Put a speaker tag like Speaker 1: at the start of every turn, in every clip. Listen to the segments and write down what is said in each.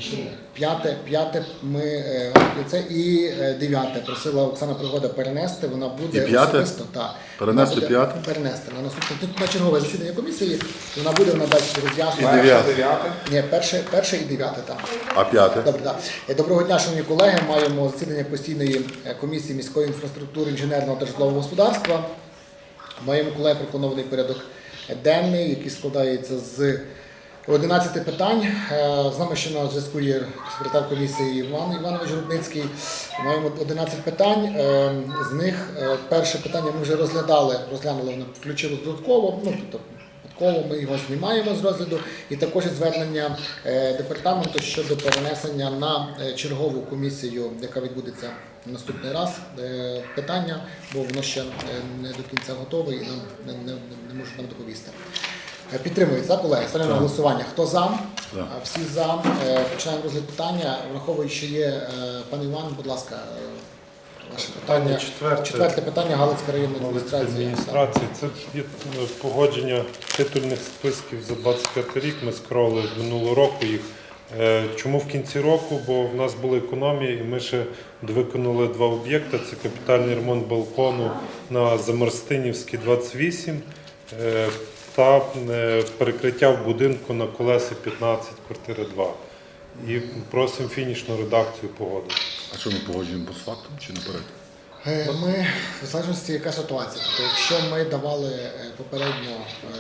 Speaker 1: П'яте ми це і 9 просила Оксана Пригода перенести. Вона буде особисто
Speaker 2: перенести 5?
Speaker 1: Перенести на наступне на чергове засідання комісії. Вона буде дасть роз'яснення.
Speaker 2: І 9?
Speaker 1: Ні, перше і 9 там.
Speaker 2: А 5?
Speaker 1: Добре, так. Доброго дня, шановні колеги. Маємо засідання постійної комісії міської інфраструктури, інженерного та житлового господарства. Маємо, колеги, пропонований порядок денний, який складається з 11 питань. З нами ще на зв'язку є секретар комісії Іван Іванович Рудницький. Маємо 11 питань. З них перше питання ми вже розглянули, воно включилось додатково. Ми його знімаємо з розгляду. І також звернення департаменту щодо перенесення на чергову комісію, яка відбудеться наступний раз, питання, бо воно ще не до кінця готове і нам не можуть нам доповісти. Підтримується, колеги. Ставлю на голосування. Хто за? Всі за. Починаємо розгляд питання. Враховуючи, що є пан Іван, будь ласка, ваше питання. Четверте питання Галицька районна адміністрація.
Speaker 3: Це є погодження титульних списків за 25 рік. Ми скролили минулого року їх. Чому в кінці року? Бо в нас були економії і ми ще виконали 2 об'єкти. Це капітальний ремонт балкону на Замарстинівській, 28 та перекриття в будинку на Колесі 15, квартира 2. І просимо фінішну редакцію погодити.
Speaker 2: А що ми погоджуємо постфактум чи наперед?
Speaker 1: Ми, в залежності, яка ситуація. Тобто, якщо ми давали попередньо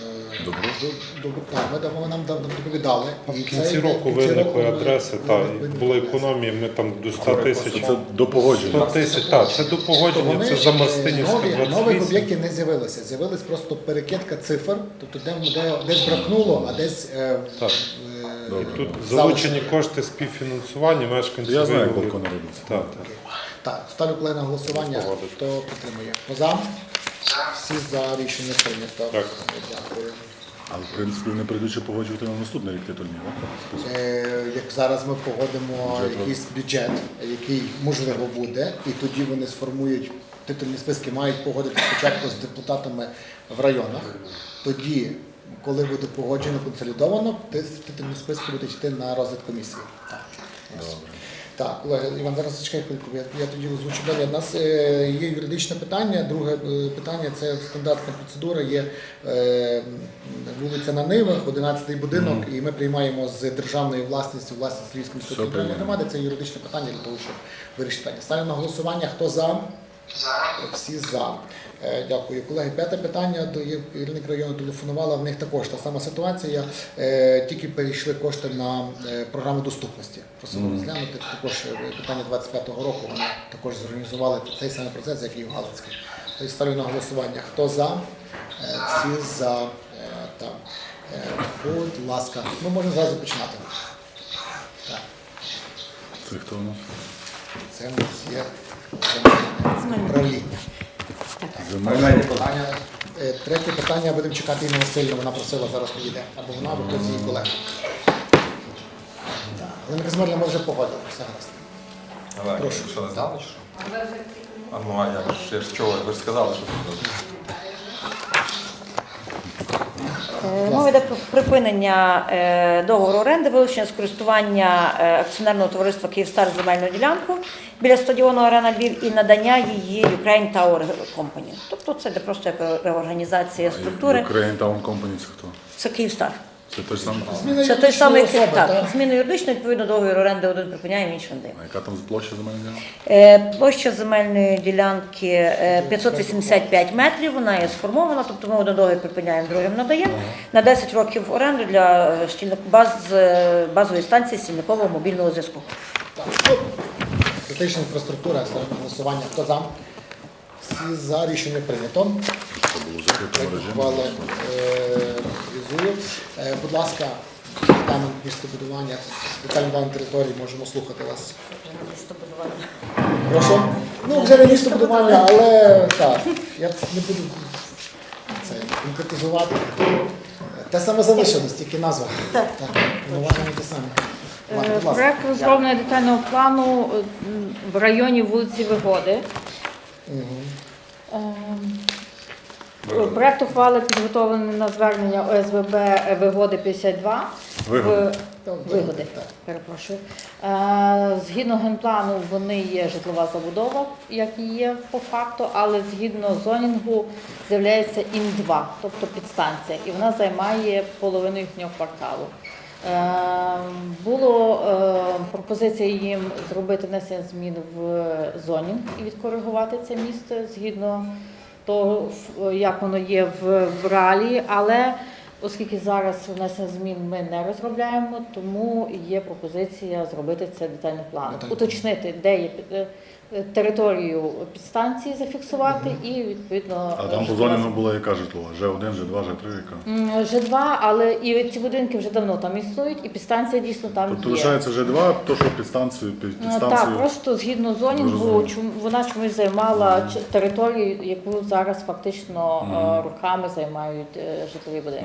Speaker 1: ми нам доповідали.
Speaker 3: В кінці року виникли адреси, була економія, ми там до 100 тисяч.
Speaker 2: Це до погодження?
Speaker 3: 100 тисяч, так, це до погодження, це за Мастинівська 28.
Speaker 1: Нових об'єктів не з'явилося, з'явилась просто перекидка цифр, тобто десь бракнуло, а десь...
Speaker 3: І тут залучені кошти співфінансування, мешканці.
Speaker 2: Я знаю, як балкон робиться.
Speaker 1: Так, ставлю колеги на голосування. Хто підтримує? Хто за? Всі за рішення прийнято.
Speaker 3: Так.
Speaker 1: Дякую.
Speaker 2: Але, в принципі, вони прийдуть ще погоджувати на наступний рік титульні, так?
Speaker 1: Як зараз ми погодимо якийсь бюджет, який можливо буде, і тоді вони сформують титульні списки, мають погодити спочатку з депутатами в районах. Тоді, коли буде погоджено консолідовано, титульні списки будуть йти на розгляд комісії. Так, колеги, Іван, зараз чекай хвильку, я тоді озвучу далі. У нас є юридичне питання, друге питання – це стандартна процедура, є вулиця на Нивах, 11-й будинок, і ми приймаємо з державної власності Львівської міської територіальної громади. Це юридичне питання для того, щоб вирішити питання. Ставлю на голосування. Хто за? Всі за. Дякую. Колеги, 5-те питання. Керівник району телефонувала, в них також та сама ситуація. Тільки перейшли кошти на програму доступності. Просимо розглянути. Також питання 25-го року вони також зорганізували цей самий процес, як і в Галицькій. Ставлю на голосування. Хто за? Всі за. Будь ласка. Ми можемо зразу починати.
Speaker 2: Це хто у нас?
Speaker 1: Це у нас є управління.
Speaker 2: Земельне
Speaker 1: питання. Третє питання будемо чекати Інну Васильівну, вона просила, зараз підійде. Або вона, або хтось її колега. Галина Казимирівна, ми вже погодили, все гаразд.
Speaker 4: Прошу. Що не знали, чи що? А ну, а як ж, я ж чого, ви ж сказали, що
Speaker 5: Мова йде про припинення договору оренди, вилучення з користування акціонерного товариства «Київстар» земельну ділянку біля стадіону «Арена Львів» і надання її Ukraine Tower Company. Тобто це просто як реорганізація структури.
Speaker 2: Ukraine Tower Company це хто?
Speaker 5: Це «Київстар».
Speaker 2: Це той самий?
Speaker 5: Це той самий, так, зміну юридичної, відповідно, договір оренди один припиняємо, інший не даємо.
Speaker 2: А яка там площа земельної ділянки?
Speaker 5: Площа земельної ділянки 585 метрів, вона є сформована, тобто ми один договір припиняємо, другим надаємо. На 10 років оренду для базової станції стільникового мобільного зв'язку.
Speaker 1: Критична інфраструктура, ставимо на голосування. Хто за? Всі за, рішення прийнято.
Speaker 2: Це було закритого режиму.
Speaker 1: Будь ласка, департамент містобудування, детальний план території, можемо слухати вас. Прошу? Ну, вже не містобудування, але так, я не буду це конкретизувати. Те саме залишилось, тільки назва. Так, уважно те саме.
Speaker 6: Проект розроблення детального плану в районі вулиці Вигоди. Проект ухвали підготовлений на звернення ОСББ Вигоди 52. Вигоди,
Speaker 1: Так.
Speaker 6: перепрошую. Згідно генплану, вони є житлова забудова, як і є по факту, але згідно зонінгу з'являється ІН-2, тобто підстанція, і вона займає половину їхнього кварталу. Було пропозиція їм зробити внесення змін в зонінг і відкоригувати це місце згідно того, як воно є в реалії, але оскільки зараз внесення змін ми не розробляємо, тому є пропозиція зробити це детальний план. Уточнити, де є територію підстанції зафіксувати і відповідно.
Speaker 2: А там по зоні була яка житлова? Ж1, Ж2, Ж3, яка?
Speaker 6: Ж2, але і ці будинки вже давно там існують, і підстанція дійсно там
Speaker 2: Тобто
Speaker 6: є.
Speaker 2: лишається Ж2, то що підстанцію.
Speaker 6: Так, просто згідно зонінгу,
Speaker 2: Зрозуміло.
Speaker 6: вона чомусь займала територію, яку зараз фактично руками займають житлові будинки.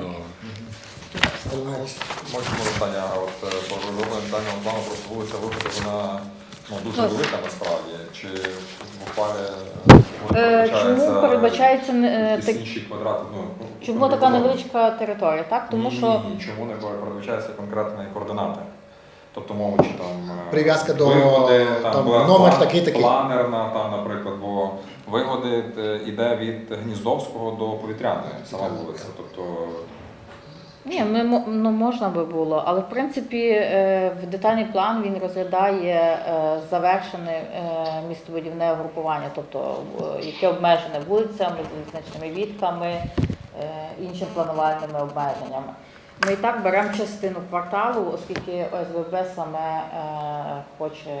Speaker 4: Можемо питання, по розробленню даного плану просто вулиця Виходу, вона дуже велика насправді, чи в ухвалі
Speaker 6: Чому передбачається
Speaker 4: якісь інші квадрати?
Speaker 6: чому така невеличка територія? Так, тому що
Speaker 4: Ні, чому не передбачаються конкретні координати? Тобто мову, чи там
Speaker 1: Прив'язка до
Speaker 4: вигоди,
Speaker 1: там,
Speaker 4: була
Speaker 1: номер такий-такий.
Speaker 4: планерна, там, наприклад, бо вигоди йде від Гніздовського до Повітряної, сама вулиця. Тобто
Speaker 6: ні, можна би було, але в принципі в детальний план він розглядає завершене містобудівне групування, тобто яке обмежене вулицями, залізничними вітками, іншими планувальними обмеженнями. Ми і так беремо частину кварталу, оскільки ОСББ саме хоче,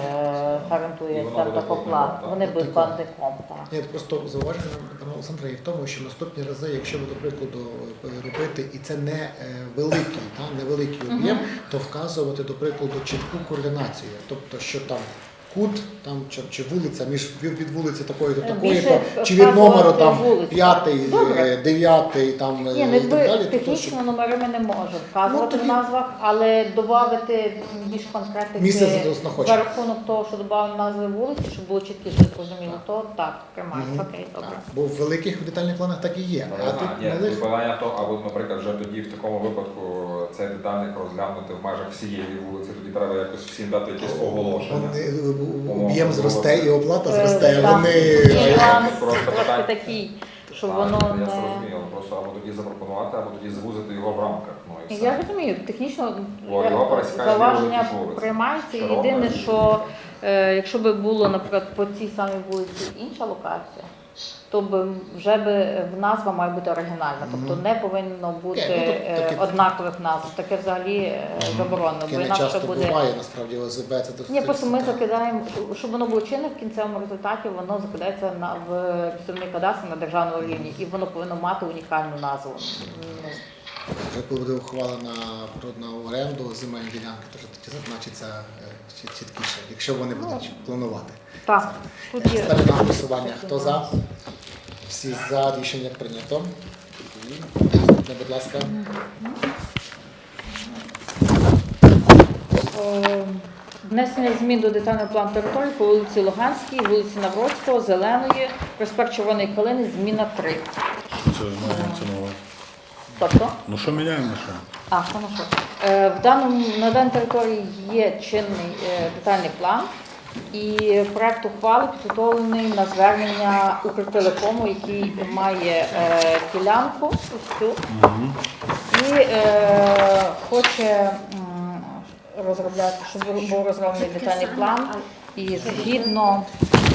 Speaker 6: гарантує там такоплат. Вони будуть платником.
Speaker 1: Я просто зауваження пана Олександра є в тому, що наступні рази, якщо ви, до прикладу, робити, і це не невеликий об'єм, то вказувати, до прикладу, чітку координацію. Тобто, що там кут, там, чи вулиця, від вулиці такої до такої,
Speaker 6: Більше
Speaker 1: чи від номеру там
Speaker 6: вулиці.
Speaker 1: 5,
Speaker 6: Добре.
Speaker 1: 9, там,
Speaker 6: Ні,
Speaker 1: і так далі.
Speaker 6: технічно номери ми не можемо вказувати
Speaker 1: тоді-
Speaker 6: в назвах, але додати більш конкретики
Speaker 1: Місце знаходження.
Speaker 6: за рахунок того, що додали назви вулиці, щоб було чіткіше зрозуміло, то так, приймається. Окей, добре.
Speaker 1: Бо в великих детальних планах так і є. А тут малих
Speaker 4: питання то, або, наприклад, вже тоді в такому випадку цей детальник розглянути в межах всієї вулиці, тоді треба якось всім дати якесь оголошення.
Speaker 1: об'єм зросте і оплата зросте.
Speaker 6: Так.
Speaker 1: Вони
Speaker 6: Нюанс
Speaker 4: Просто
Speaker 6: трохи
Speaker 4: питання.
Speaker 6: такий, що
Speaker 4: Так,
Speaker 6: воно
Speaker 4: я
Speaker 6: не...
Speaker 4: зрозумів, просто або тоді запропонувати, або тоді звузити його в рамках. І все.
Speaker 6: Я розумію, технічно
Speaker 4: Бо його пересікає
Speaker 6: зауваження
Speaker 4: вулиці.
Speaker 6: приймається.
Speaker 4: Широка.
Speaker 6: Єдине, що якщо б було, наприклад, по цій самій вулиці інша локація, то б вже в назва має бути оригінальна. Тобто не повинно бути
Speaker 1: таке-
Speaker 6: однакових назв. Таке взагалі заборонено, бо
Speaker 1: таке не
Speaker 6: інакше
Speaker 1: часто
Speaker 6: буде...
Speaker 1: буває, насправді, ОСБ це досить.
Speaker 6: Ні, просто ми закидаємо, щоб воно було чинне в кінцевому результаті, воно закидається в місцевий кадастр на державному рівні, і воно повинно мати унікальну назву. Ну,
Speaker 1: Вже коли буде ухвалена природна оренду земельні ділянки, то вже тоді зазначиться чіткіше, якщо вони будуть планувати.
Speaker 6: так, тут є.
Speaker 1: Ставлю на голосування. Хто за? Всі за, рішення прийнято. Наступне, будь ласка.
Speaker 6: Внесення змін до детального плану території по вулиці Луганській, вулиці Навроцького, Зеленої, проспект Червоної Калини, зміна 3.
Speaker 2: Що це мається на увазі?
Speaker 6: Тобто,
Speaker 2: Ну що міняємо на що?
Speaker 6: хорошо. На даній території є чинний детальний план, і проект ухвали підготовлений на звернення Укртелекому, який має ділянку ось цю, і хоче розробляти, щоб був розроблений детальний план, і згідно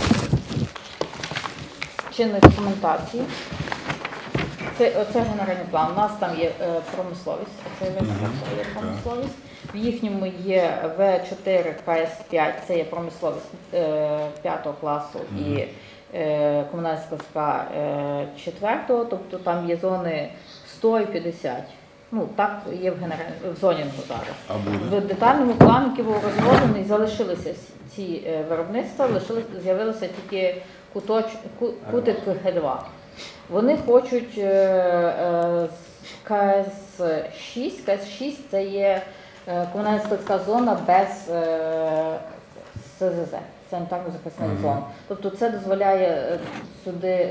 Speaker 6: чинної документації. Оце генеральний план. У нас там є промисловість, оце є промисловість. В їхньому є В4 КС5, це є промисловість 5 класу і комунальна складська 4, тобто там є зони 100 і 50. Ну, так є в зонінгу зараз.
Speaker 2: А буде?
Speaker 6: В детальному плані, який був розроблений, залишилися ці виробництва, з'явилося тільки кутик Г2. Вони хочуть КС6. КС6 це є комунальна складська зона без СЗЗ, санітарно-захисних зон. Тобто це дозволяє сюди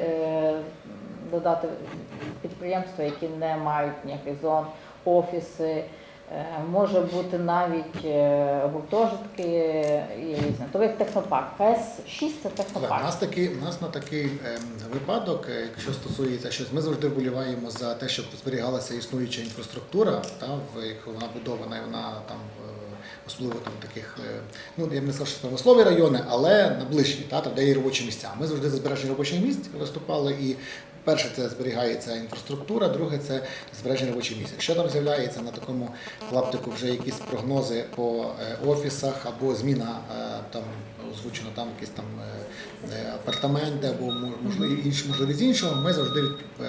Speaker 6: додати підприємства, які не мають ніяких зон, офіси, Може бути навіть гуртожитки і різне. Тобто як технопарк. КС-6 це
Speaker 1: У
Speaker 6: технопарк.
Speaker 1: нас на такий випадок, якщо стосується щось, ми завжди вболіваємо за те, щоб зберігалася існуюча інфраструктура, як вона будована, і вона там особливо там таких, ну я б не сказав, що промислові райони, але наближені, там, де є робочі місця. Ми завжди за збереження робочих місць виступали, і перше це зберігається інфраструктура, друге це збереження робочих місць. Якщо там з'являється на такому клаптику вже якісь прогнози по офісах або зміна там озвучено там якісь там апартаменти або можливість іншого, ми завжди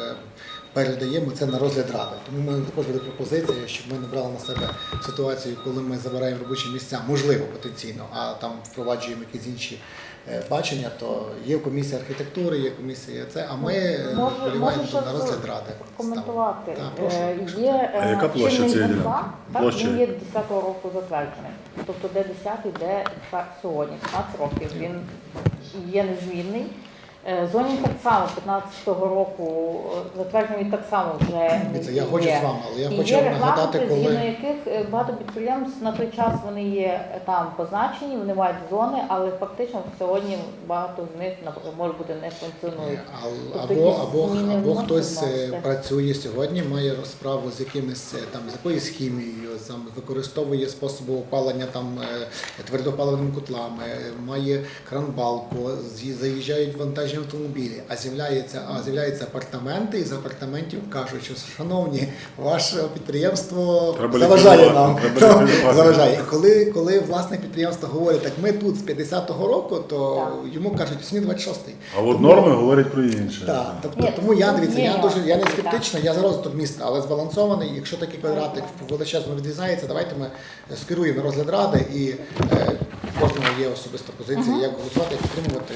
Speaker 1: передаємо це на розгляд ради. Тому ми також буде пропозиція, щоб ми не брали на себе ситуацію, коли ми забираємо робочі місця, можливо, потенційно, а там впроваджуємо якісь інші бачення, то є комісія архітектури, є комісія це, а ми вболіваємо на розгляд ради.
Speaker 6: Коментувати.
Speaker 1: Так, прошу.
Speaker 6: Є
Speaker 2: А яка площа
Speaker 6: чинний
Speaker 2: цієї
Speaker 6: генплан,
Speaker 2: ділянки?
Speaker 6: так,
Speaker 2: Площа?
Speaker 6: він є 10-го року затверджений. Тобто де 10-й, де сьогодні, 15 років. Він є незмінний. Зонінг так само 15-го року затверджений так само вже
Speaker 1: Дивіться, я хочу з вами, але я
Speaker 6: І
Speaker 1: хочу
Speaker 6: є
Speaker 1: вам нагадати,
Speaker 6: регламенти, згідно
Speaker 1: коли
Speaker 6: яких багато підприємств на той час вони є там позначені, вони мають зони, але фактично сьогодні багато з них, наприклад, може бути не функціонують. Тобто
Speaker 1: або хтось працює сьогодні, має розправу з якимись там з якоюсь хімією, там використовує способи опалення там твердопаливними котлами, має кранбалку, заїжджають вантажні автомобілі, а з'являються апартаменти, і з апартаментів кажуть, що шановні, ваше підприємство
Speaker 2: Треба
Speaker 1: заважає
Speaker 2: ліквідувати,
Speaker 1: нам.
Speaker 2: треба ліквідувати.
Speaker 1: Заважає. І коли власне підприємство говорить, так ми тут з 50-го року, то
Speaker 6: Так.
Speaker 1: йому кажуть, сьогодні 26-й.
Speaker 2: А от норми говорять про інше.
Speaker 1: Так, тобто,
Speaker 6: Ні,
Speaker 1: тому я дивіться, я не
Speaker 6: так.
Speaker 1: скептичний, я за розвиток міста, але збалансований. Якщо такий квадратик величезно відрізається, давайте ми скеруємо на розгляд ради і кожного є особиста позиція, як голосувати, як підтримувати,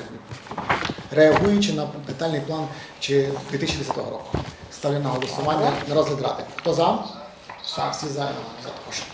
Speaker 1: реагуючи на детальний план чи 2010 року. Ставлю на голосування на розгляд ради. Хто за? Всі за також.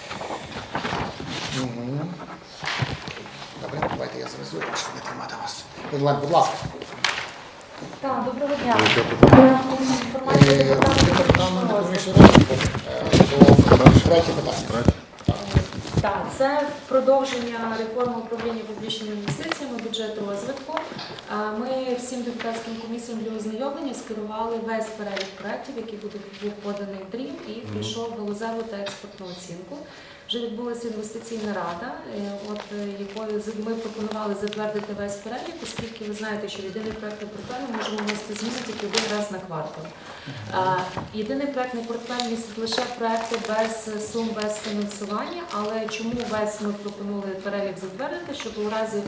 Speaker 1: Добре, давайте я завезу, щоб не тримати вас. Онлайн, будь ласка.
Speaker 7: Так, доброго дня.
Speaker 2: Яке питання?
Speaker 1: Департамент економічного розвитку. Третє питання.
Speaker 2: Третє?
Speaker 7: Так, це продовження реформи управління публічними інвестиціями, бюджету розвитку. Ми всім депутатським комісіям для ознайомлення скерували весь перелік проєктів, який був поданий в дрім, і прийшов галузеву та експортну оцінку. Вже відбулася інвестиційна рада, якою ми пропонували затвердити весь перелік, оскільки ви знаєте, що єдиний проєктний портфель ми можемо внести зміни тільки один раз на квартал. Єдиний проєктний портфель містить лише проєкти без сум, без фінансування, але чому весь ми пропонували перелік затвердити, щоб у разі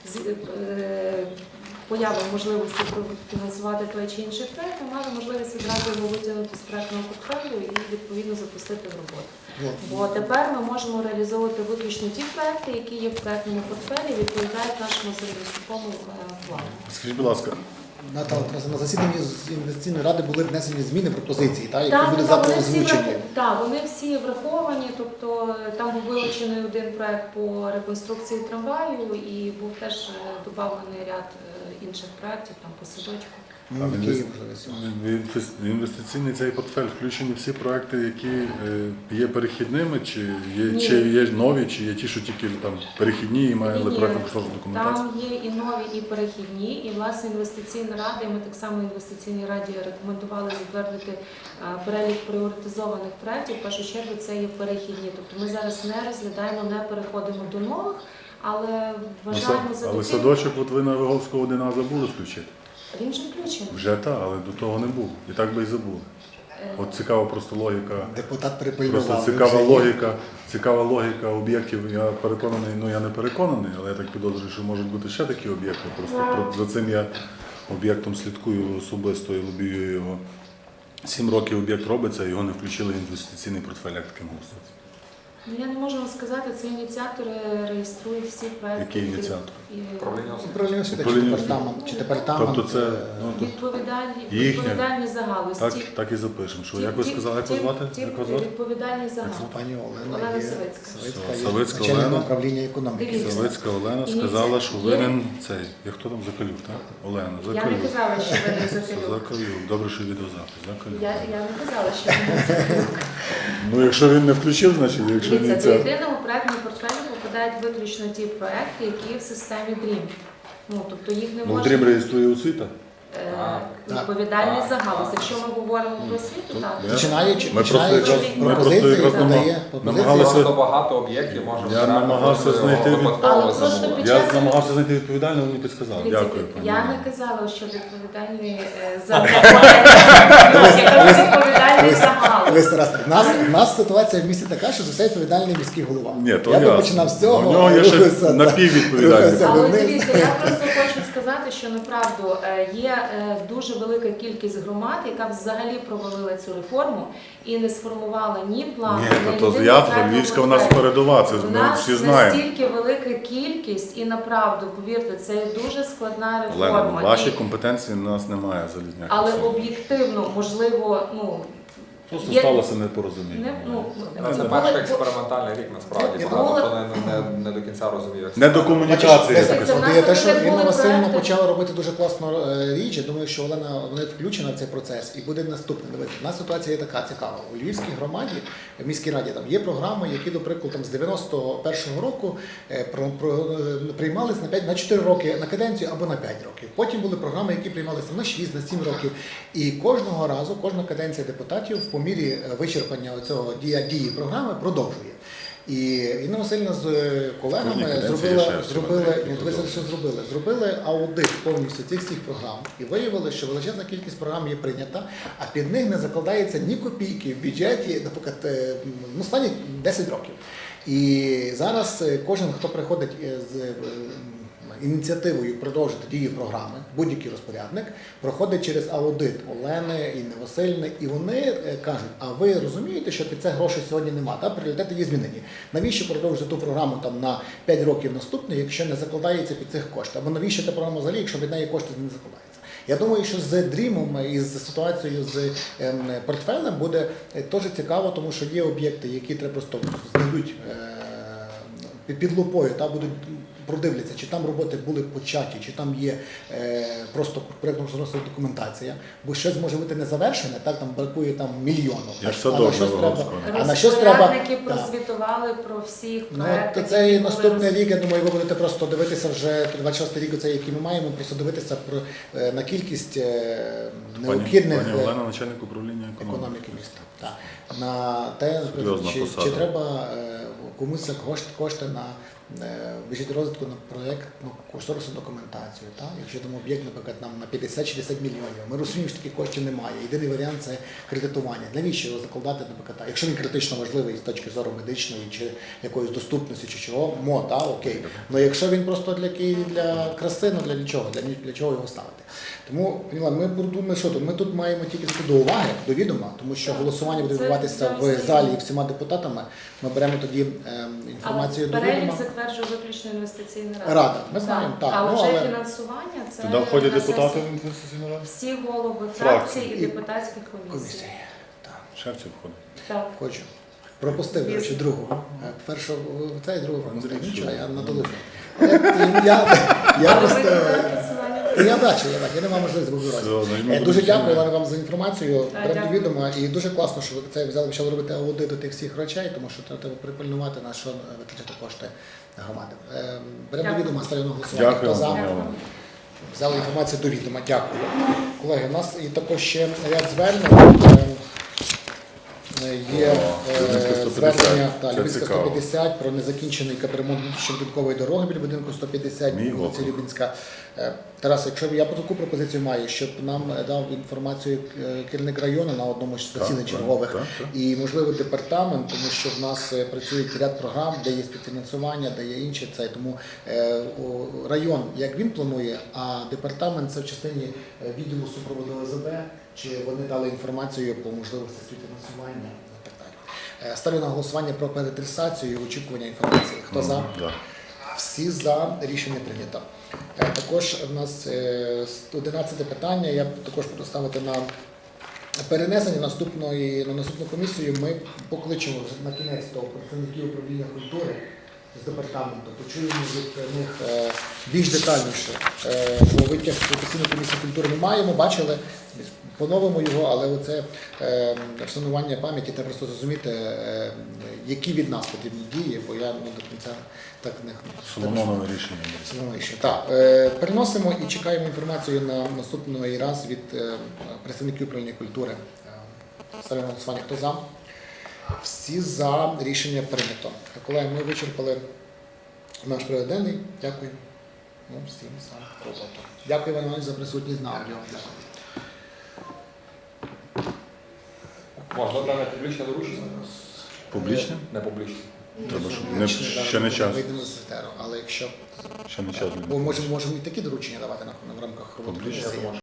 Speaker 7: появи можливості фінансувати той чи інший проєкт, ми мали можливість відразу його витягнути з проєктного портфелю і відповідно запустити в роботу. Бо тепер ми можемо реалізовувати виключно ті проекти, які є в проектному портфелі, відповідають нашому середньостроковому плану.
Speaker 2: Скажіть, будь ласка,
Speaker 1: Наталя, на засіданні з інвестиційної ради були внесені зміни, пропозиції, які будуть завтра озвучені.
Speaker 7: Так, вони всі враховані, тобто там був вилучений один проект по реконструкції трамваю і був теж додавлений ряд інших проєктів, там по садочку.
Speaker 2: а в інвестиційний цей портфель включені всі проекти, які є перехідними, чи є нові, чи є ті, що тільки там перехідні і мали проєктно-кошторисну документацію?
Speaker 7: Там є і нові, і перехідні, і власне інвестиційна рада, і ми так само інвестиційній раді рекомендували затвердити перелік пріоритизованих проєктів. В першу чергу це є перехідні. Тобто ми зараз не розглядаємо, не переходимо до нових, але вважаємо за
Speaker 2: Але
Speaker 7: доцільне.
Speaker 2: садочок от ви на Виговського 1А забули включити?
Speaker 7: Він же включений.
Speaker 2: Вже так, але до того не було. І так би і забули. От цікава просто логіка.
Speaker 1: Депутат
Speaker 2: Просто
Speaker 1: перепильнував.
Speaker 2: цікава логіка об'єктів. Я переконаний, я не переконаний, але я так підозрюю, що можуть бути ще такі об'єкти. Просто за цим я об'єктом слідкую особисто і лобію його. 7 років об'єкт робиться, його не включили в інвестиційний портфель, як таким голосується.
Speaker 7: Ну, я не можу вам сказати, це ініціатори реєструють всі проекти.
Speaker 2: Який ініціатор?
Speaker 4: Управління освіти.
Speaker 1: Управління освіти чи
Speaker 2: Управління
Speaker 1: департамент.
Speaker 2: Тобто це
Speaker 7: Відповідальні за галузь.
Speaker 2: так і запишемо. Що, як ви сказали, як вас звати? Як вас звати?
Speaker 7: Відповідальні за галузь.
Speaker 1: Пані Олена
Speaker 7: Олена
Speaker 1: є
Speaker 7: Савицька.
Speaker 2: Савицька
Speaker 1: начальник
Speaker 2: Олена.
Speaker 1: управління економіки.
Speaker 7: Дивіться.
Speaker 2: Савицька Олена сказала, що винен цей. Як хто там? Закалюк, так? Олена,
Speaker 7: Я не
Speaker 2: Закалюк.
Speaker 7: казала, що ви не Закалюк.
Speaker 2: Закалюк. Добре, що відеозапис. Закалюк.
Speaker 7: Я не казала, що ви не Закалюк.
Speaker 2: Ну, якщо він не включив, значить, якщо
Speaker 7: Дивіться,
Speaker 2: не
Speaker 7: до
Speaker 2: це.
Speaker 7: єдиного проектного портфелю попадають виключно ті проекти, які в системі DREAM. Ну, тобто їх не
Speaker 2: Ну,
Speaker 7: можна...
Speaker 2: Дрім реєструє освіта.
Speaker 7: Відповідальність за галузь. Якщо ми говоримо про освіту, так.
Speaker 1: Починаючи
Speaker 2: Ми просто
Speaker 1: пропозиції,
Speaker 2: якраз
Speaker 1: подає
Speaker 2: намагалися-
Speaker 4: Просто багато об'єктів може
Speaker 2: Я намагався знайти
Speaker 7: Але просто під
Speaker 2: Я
Speaker 7: час-
Speaker 2: намагався знайти відповідального, мені підсказали.
Speaker 7: Дивіться,
Speaker 2: Дякую, пані.
Speaker 7: я
Speaker 2: Олено.
Speaker 7: не казала, що відповідальні за відповідальність за галузь.
Speaker 1: Весь раз. У нас ситуація в місті така, що за все відповідальний міський голова.
Speaker 2: Ні, то
Speaker 1: я би
Speaker 2: ясно.
Speaker 1: починав з цього.
Speaker 2: У нього є ще
Speaker 1: рухався, да.
Speaker 2: напіввідповідальний.
Speaker 1: Рухався
Speaker 7: Але
Speaker 1: вниз.
Speaker 7: дивіться, я просто хочу сказати, що направду є дуже велика кількість громад, яка взагалі провалила цю реформу і не сформувала ні плану,
Speaker 2: Ні,
Speaker 7: ні
Speaker 2: то
Speaker 7: єдиного
Speaker 2: я,
Speaker 7: проектного
Speaker 2: Львівська у нас
Speaker 7: портфелю.
Speaker 2: передова, це
Speaker 7: У
Speaker 2: ми
Speaker 7: нас
Speaker 2: всі знаємо.
Speaker 7: настільки велика кількість, і направду, повірте, це є дуже складна
Speaker 2: Олена,
Speaker 7: реформа.
Speaker 2: ваші
Speaker 7: І-
Speaker 2: компетенції у нас немає залізняк.
Speaker 7: Але об'єктивно, можливо,
Speaker 2: Просто
Speaker 7: є-
Speaker 2: сталося непорозуміння.
Speaker 4: Це
Speaker 7: були-
Speaker 4: перший експериментальний рік, насправді. Багато хто не до кінця розуміє. як
Speaker 2: Не
Speaker 4: це
Speaker 2: до
Speaker 4: працює.
Speaker 2: комунікації.
Speaker 1: Бачиш,
Speaker 7: Це в нас
Speaker 1: От те, що
Speaker 7: були
Speaker 1: Інна Васильівна
Speaker 7: проекти.
Speaker 1: почала робити дуже класну річ. Я думаю, що вона включена в цей процес і буде наступне. Дивіться, у нас ситуація є така цікава. У Львівській громаді, в міській раді, там є програми, які, до прикладу, там, з 91-го року приймалися на 4 роки на каденцію або на 5 років. Потім були програми, які приймалися на 6, на 7 років. І кожного разу, кожна каденція депутатів по мірі вичерпання цього дії програми продовжує. І Інна Васильівна з колегами
Speaker 2: Кожній каденції
Speaker 1: зробила,
Speaker 2: ще
Speaker 1: зробили аудит повністю цих всіх програм і виявили, що величезна кількість програм є прийнята, а під них не закладається ні копійки в бюджеті, наприклад, останні 10 років. І зараз кожен, хто приходить з ініціативою продовжити дії програми, будь-який розпорядник, проходить через аудит Олени, Інни Васильівни, і вони кажуть, а ви розумієте, що під це грошей сьогодні немає, та пріоритети є змінені. Навіщо продовжити ту програму там на 5 років наступних, якщо не закладається під цих коштів? Або навіщо та програма взагалі, якщо від неї кошти не закладаються? Я думаю, що з дрімом і з ситуацією з портфелем буде теж цікаво, тому що є об'єкти, які треба просто знайдуть під лупою, та будуть продивляться, чи там роботи були початі, чи там є просто проєктно-кошторисна документація, бо щось може бути не завершене, так там бракує там мільйону.
Speaker 2: Як садок Новогорського.
Speaker 1: А на щось треба.
Speaker 7: Розпорядники
Speaker 1: Так.
Speaker 7: прозвітували про всіх
Speaker 1: Ну,
Speaker 7: проєктах.
Speaker 1: то це і
Speaker 7: які
Speaker 1: наступний
Speaker 7: були
Speaker 1: рік, я думаю, ви будете просто дивитися вже 26 рік, оцей, який ми маємо, просто дивитися на кількість необхідних
Speaker 2: Пані Олена, начальник управління
Speaker 1: економіки міста. Так. На те,
Speaker 2: Серйозна
Speaker 1: чи
Speaker 2: посада.
Speaker 1: треба комусь кошти на бюджет розвитку на проєктну кошторисну документацію. Так? Якщо там об'єкт, наприклад, нам на 50-60 мільйонів, ми розуміємо, що таких коштів немає. Єдиний варіант це кредитування. Навіщо його закладати, наприклад, якщо він критично важливий з точки зору медичної чи якоїсь доступності, чи чого, окей. Але якщо він просто для краси, ну для чого? Для чого його ставити? Тому, ми думаємо, що тут? Ми тут маємо тільки до уваги, до відома, тому що голосування буде відбуватися в залі і всіма депутатами. Ми беремо тоді інформацію до
Speaker 7: перелік
Speaker 1: відома.
Speaker 7: затверджує виключно інвестиційна рада.
Speaker 1: Рада, ми знаємо, так.
Speaker 7: Але
Speaker 1: Ну,
Speaker 7: вже
Speaker 1: але
Speaker 7: фінансування це
Speaker 2: Туди входять
Speaker 7: на
Speaker 2: депутати
Speaker 7: сесії.
Speaker 2: в інвестиційну раду?
Speaker 7: Всі голови
Speaker 2: Фракцій.
Speaker 7: фракцій і депутатських комісій.
Speaker 1: комісії. Так,
Speaker 2: Шевців входить.
Speaker 7: Так.
Speaker 1: хочу. Пропустив, до речі, другу. Першу цей, другу пропустив.
Speaker 2: Андрій,
Speaker 1: Нічого,
Speaker 2: що?
Speaker 1: я надолужив. Я просто... Я бачив, я не мав можливості
Speaker 2: Все,
Speaker 1: вибирати.
Speaker 2: значить, ми
Speaker 1: Дуже
Speaker 2: будемо
Speaker 1: дякую,
Speaker 2: всі-
Speaker 1: Олена, вам за інформацію.
Speaker 7: Так,
Speaker 1: Беремо до
Speaker 7: дякую.
Speaker 1: відома. І дуже класно, що ви це взяли, почали робити аудит до тих всіх речей, тому що треба припильнувати, на що витрачати кошти громади. Беремо до
Speaker 7: Дякую.
Speaker 1: відома, ставлю на голосування.
Speaker 2: Дякую.
Speaker 1: Хто за?
Speaker 2: Олена.
Speaker 1: Взяли інформацію до відома. Дякую. Колеги, у нас і також ще ряд звернень. Є
Speaker 2: Любінська 150.
Speaker 1: звернення
Speaker 2: Це
Speaker 1: Любінська
Speaker 2: цікаво.
Speaker 1: 150 про незакінчений капремонт щоденкової дороги біля будинку 150,
Speaker 2: Мій
Speaker 1: вулиці
Speaker 2: округ.
Speaker 1: Любінська. Тарас, якщо я таку пропозицію маю, щоб нам дав інформацію керівник району на одному з засідань
Speaker 2: Так,
Speaker 1: чергових
Speaker 2: так.
Speaker 1: і, можливо, департамент, тому що в нас працюють ряд програм, де є співфінансування, де є інші. Тому район, як він планує, а департамент це в частині відділу супроводу ОСБ, чи вони дали інформацію по можливості співфінансування і так далі. Ставлю на голосування про переадресацію і очікування інформації. Хто за?
Speaker 2: Да.
Speaker 1: Всі за, рішення прийнято. Також в нас 11 питання. Я також буду ставити на перенесення на наступну комісію. Ми покличемо вже на кінець того представників управління культури з департаменту, почуємо від них більш детальніше, бо витяг постійної комісії культури ми маємо, бачили, поновимо його, але оце вшанування пам'яті, треба просто зрозуміти, які від нас потрібні дії, бо я до кінця так не
Speaker 2: Соломонове рішення.
Speaker 1: Соломонове рішення. Так, переносимо і чекаємо інформацію на наступний раз від представників управління культури. Ставимо на голосування. Хто за? Всі за, рішення прийнято. Колеги, ми вичерпали наш порядок денний. Дякую. Всім за роботу. Дякую, Іван Іванович, за присутність на аудіо. Дякую.
Speaker 4: Можна дане публічне доручення?
Speaker 2: Публічне?
Speaker 4: Не публічне.
Speaker 2: Треба, щоб
Speaker 1: Публічне,
Speaker 2: ще не час.
Speaker 1: Вийдемо з етеру, але якщо...
Speaker 2: Ще не час.
Speaker 1: Бо можемо і такі доручення давати в рамках роботи.
Speaker 2: Публічне.
Speaker 1: комісії.